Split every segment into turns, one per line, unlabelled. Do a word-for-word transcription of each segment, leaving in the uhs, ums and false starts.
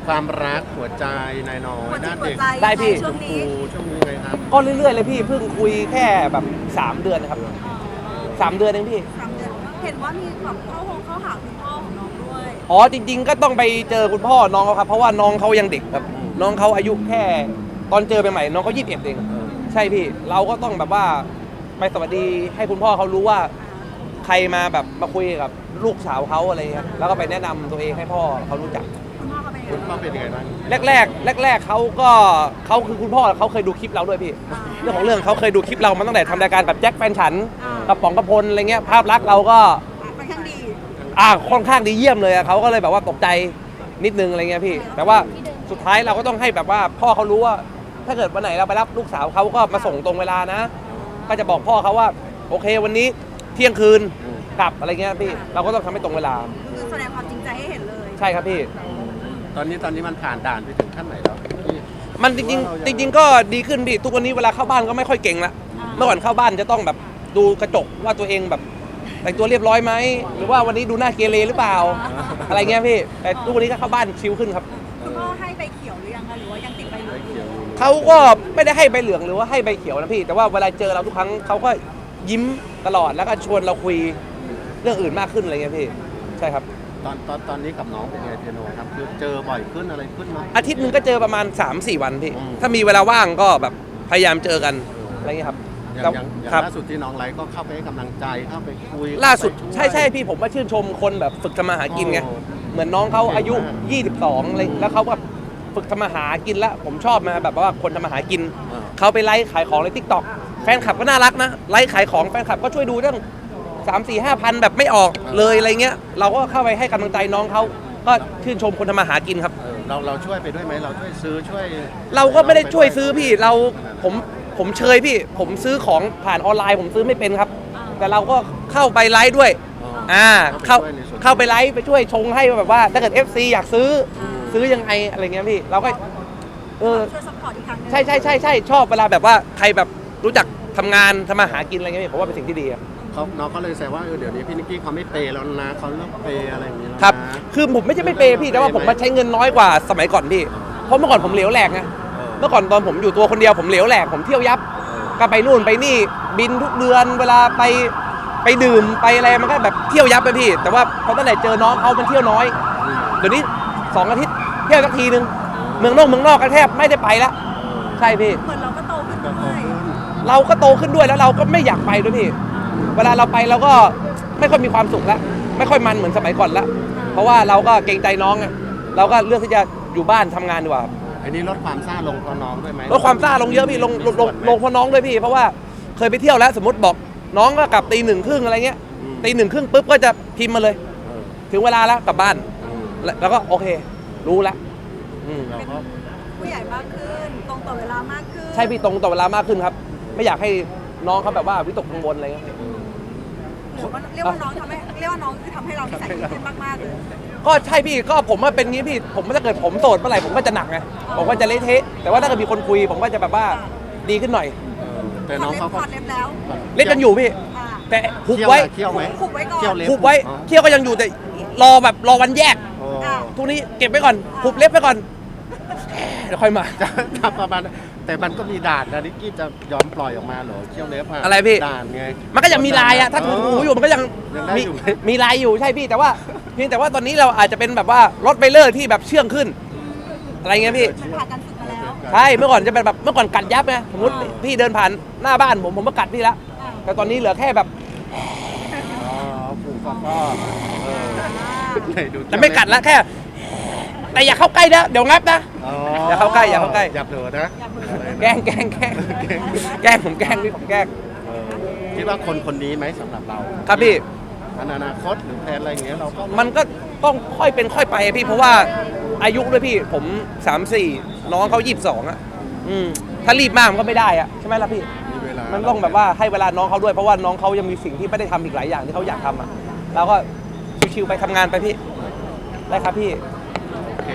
ความรักหัวใจนายน้อยด้านเด็ก
ได้พี่
ชมพูช่วงนี้ไงครับ
ก็เรื่อยๆเลยพี่เพิ่งคุยแค่แบบสามเดือนนะครับสามเดือนเองพี่
สามเดือนเห็นว่ามีแบบเข้าห้องเข้าหาคุณพ่อของน้องด้วย
อ๋อจริงๆก็ต้องไปเจอคุณพ่อน้องเขาครับเพราะว่าน้องเขายังเด็กครับน้องเขาอายุแค่ตอนเจอใหม่ๆน้องเขายี่สิบเอ็ดเองใช่พี่เราก็ต้องแบบว่าไปสวัสดีให้คุณพ่อเขารู้ว่าใครมาแบบมาคุยกับลูกสาวเขาอะไรเงี้ยแล้วก็ไปแนะนำตัวเองให้พ่อเขารู้จัก
คุณพ่อเขาเป็นยัง
คุณ
ไง
พ่อเป็นยังไงบ้าง
แรกๆแรกๆเขาก็เขาคือคุณพ่อเขาเคยดูคลิปเราด้วยพี่เรื่องของเรื่องเขาเคยดูคลิปเรามาตั้งแต่ทำรายการกับแจ็คแฟนฉันกับป๋องกระพลอะไรเงี้ยภาพลักษณ์เราก็
ค่อนข้างดี
อ่าค่อนข้างดีเยี่ยมเลยอะเขาก็เลยแบบว่าตกใจนิดนึงอะไรเงี้ยพี่แต่ว่าสุดท้ายเราก็ต้องให้แบบว่าพ่อเขารู้ว่าถ้าเกิดวันไหนเราไปรับลูกสาวเขาก็มาส่งตรงเวลานะก็จะบอกพ่อเขาว่าโอเควันนี้เที่ยงคืนกลับอะไรเงี้ยพี่เราก็ต้องทำให้ตรงเวลา
คือแสดงความจริงใจให้เห็นเลย
ใช่ครับพี่
ตอนนี้ตอนนี้มันผ่านด่านไปถึงขั้นไหนแล้วพี่
มันจริงๆจริง ๆ ก็ดีขึ้นพี่ทุกวันนี้เวลาเข้าบ้านก็ไม่ค่อยเก่งละเมื่อก่อนเข้าบ้านจะต้องแบบดูกระจกว่าตัวเองแบบแต่งตัวเรียบร้อยไหมหรือว่าวันนี้ดูหน้าเกเรหรือเปล่าอะไรเงี้ยพี่แต่ทุกวันนี้ก็เข้าบ้านชิลขึ้นครับ
คุณพ่อให้ใบเขียวหรือยังคะหรือว่ายังติดใบเหลื
ไม่
อง
เกี่ยวอยู่
เขาก็ไม่ได้ให้ใบเหลืองหรือว่าให้ใบเขียวนะพี่แต่ว่าเวลาเจอเราทุกครั้งเขาก็ยิ้มตลอดแล้วก็ชวนเราคุยเรื่องอื่นมากขึ้นอะไรเงี้ยพี่ใช่ครับ
ตอนตอนตอนนี้กับน้องเป็นไงเปียโนครับคือเจอบ่อยขึ้นอะไรขึ้นมั้ย
อาทิตย์หนึงก็เจอประมาณ สามสี่ วันพี่
อืม
ถ้ามีเวลาว่างก็แบบพยายามเจอกันอะไรเงี้ยครับ
อย่างอย่างอย่าง
ครับ
ล่าสุดที่น้องไลฟ์ก็เข้าไปให้กำลังใจเข้าไปคุย
ล่าสุด
เข้ไป
ใช่ใช่พี่ผมมาชื่นชมคนแบบฝึกทำมาหากินไง
โอ้
เหมือนน้องเขาอายุ
เก่งมาก
ยี่สิบสองอะไรแล้วเขาแบบฝึกทำมาหากินแล้วผมชอบมาแบบว่าคนทำมาหากิน
อ่า
เขาไปไลฟ์ขายของในทิกตอกแฟนคลับก็น่ารักนะไลฟ์ขายของแฟนคลับก็ช่วยดูเรื่องสามสี่ห้าพันแบบไม่ออกเลยอะไรเงี้ยเราก็เข้าไปให้กำลังใจน้องเขาก็ชื่นชมคนทำมาหากินครับ
เออเราเราช่วยไปด้วยไหมเราช่วยซื้อช่วย
เราก็ไม่ได้ช่วยซื้อพี่เราผมผมเชยพี่ ผมซื้อของผ่านออนไลน์ผมซื้อไม่เป็นครับ แต่เราก็เข้าไปไลฟ์ด้วย
อ๋อ
อ่าเข้า
ช่วยในส่วน
เข้าไปไลฟ์ไปช่วยชงให้แบบว่าถ้าเกิด เอฟ ซี อยากซื้ออซื้อยังไงอะไรเงี้ยพี่เราก็เออ
ช่วยซัพพอร์ตอีกครั้งหนึง
ใช่ใช่ใช่ใช่ชอบเวลาแบบว่าใครแบบรู้จักทำงานทำมาหากินอะไรเงี้ยพี่ผมว่าเป็นสิ่งที่ดีครับ
เขาน้องเขาเลยแซวว่าเออเดี๋ยวนี้พี่นิกกี้เขาไม่เปย์แล้วนะเขาเลิกเปย์อะไรอย่างนี้แล้วนะ
ครับคือผมไม่ใช่ไม่เปย์พี่แต่ว่าผมมาใช้เงินน้อยกว่าสมัยก่อนพี่เพราะเมื่อก่อนผมเหลวแหลกไง
เออ
เมื่อก่อนตอนผมอยู่ตัวคนเดียวผมเหลวแหลกผมเที่ยวยับ ก็ไปนู่นไปนี่บินทุกเดือนเวลาไปไปดื่มไปอะไรมันก็แบบเที่ยวยับไปพี่ แต่ว่าพอตั้งแต่เจอน้องเขามันเที่ยวน้อยเดี๋ยวนี้สองอาทิตย์เที่ยวสักทีนึงเมืองนอกเมืองนอกก็แทบไม่ได้ไปแล้วใช่พี่
เหมือนเราก็โตขึ้น
ก็โต
ด้วย
ขึ้น
เราก็โตขึ้นด้วยแล้วเราก็ไม่อยากไปด้วยพี่ เวลาเราไปเราก็ไม่ค่อยมีความสุขแล้วไม่ค่อยมันเหมือนสมัยก่อนละเพราะว่าเราก็เกรงใจน้องไงเราก็เลือกที่จะอยู่บ้านทำงานดีกว่า
อันนี้ลดความซ่าลงเพราะน้องด้วยไหม
ลดความซ่าลงเยอะพี่ลงลงลงลงเพราะน้องด้วยพี่ เพราะว่าเคยไปเที่ยวแล้วสมมติบอกน้องก็กลับตีหนึ่งครึ่งอะไรเงี้ยตีหนึ่งครึ่งปุ๊บก็จะพิมพ์มาเลย
เออ
ถึงเวลาแล้วกลับบ้าน
อืม
แล้วแล้วก็โอเค รู้แล้วอืม
เราก็
ผู้ใหญ่มากขึ้นตรงต่อเวลามากขึ้น
ใช่พี่ตรงต่อเวลามากขึ้นครับ ไม่อยากให้น้องเขาแบบว่าวิตกกังวลอะไรเงี้ย
หรือว่าเรียกว่าน้องทำให้เรียกว่าน้องคือทำให้เรานิสัยดีขึ้นมากๆเลย
ก็ใช่พี่ก็ผมว่าเป็นงี้พี่ผมถ้าเกิดผมโสดเมื่อไหร่ผมก็จะหนักไงผมก็จะเละเทะแต่ว่าถ้าเกิดมีคนคุย ผมก็จะแบบว่าดีขึ้นหน่อย
เออแต่น้องเขา
ถ
ก็
อดเล็บแล้ว
เล่นกันอยู่พี่
อ่า
แต่หุบ
เคี่ยว
ไว้
อะเคี่ยวไหม
หุบไว้ก่อน
เคี่ยวเล็บ
หุบไว้
อ๋อ
เคี่ยวก็ยังอยู่แต่รอแบบรอวันแยก
โอ้
อ่า
ทุกนี้เก็บไว้ก่อนหุบเล็บไว้ก่อนเดี๋ยวค่อยมา
จะทำประมาณนั้นแต่มันก็มีด่านนะนิกกี้จะยอมปล่อยออกมาเหรอเคี่ยวเล็บอะ
อะไรพี่
ด่านไง
มันก็ยังมีลายอะถ้าถูหูอยู่มันก็ยัง
ยังได้
มี
อยู่ไหม
มีลายอยู่ใช่พี่แต่ว่าเพียงแต่ว่าตอนนี้เราอาจจะเป็นแบบว่ารถไบเลอร์ที่แบบเชื่องขึ้น อะไรเงี้ยพี่
มันผ่านการฝึกมาแล้ว
ใช่เมื่อก่อนจะเป็นแบบเมื่อก่อนกัดยับไงสมมติพี่เดินผ่านหน้าบ้านผมผมก็กัดพี่ละแต่ตอนนี้เหลือแค่แบบ
อ๋อผูกฟ้าๆเออไหนดู
แต่ไม่กัดละแค่ แต่อย่าเข้าใกล้นะเดี๋ยวงับนะ
อ๋อ
อย่าเข้าใกล้อย่าเข้าใกล้
อย่าเผลอนะ
แกล้งแกล้งแกล้งแกล้งผมแกล้งพี่ผมแกล้ง
เออคิดว่าคนคนนี้ไหมสำหรับเรา
ครับพี่
อนาคตหรือแพลนอะไรอย่างเงี้ยเราก็
มันก็ต้องค่อยเป็นค่อยไปพี่เพราะว่าอายุด้วยพี่ผมสามสี่น้องเขายี่สิบสองอ่ะอืมถ้ารีบมากมันก็ไม่ได้อ่ะใช่ไหมล่ะพี่
มีเวลา
มันต้องแบบว่าให้เวลาน้องเขาด้วยเพราะว่าน้องเขายังมีสิ่งที่ไม่ได้ทำอีกหลายอย่างที่เขาอยากทำอ่ะเราก็ชิวๆไปทำงานไปพี่ได้ครับพี่
โอเค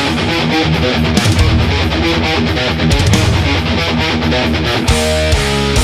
We'll be right back.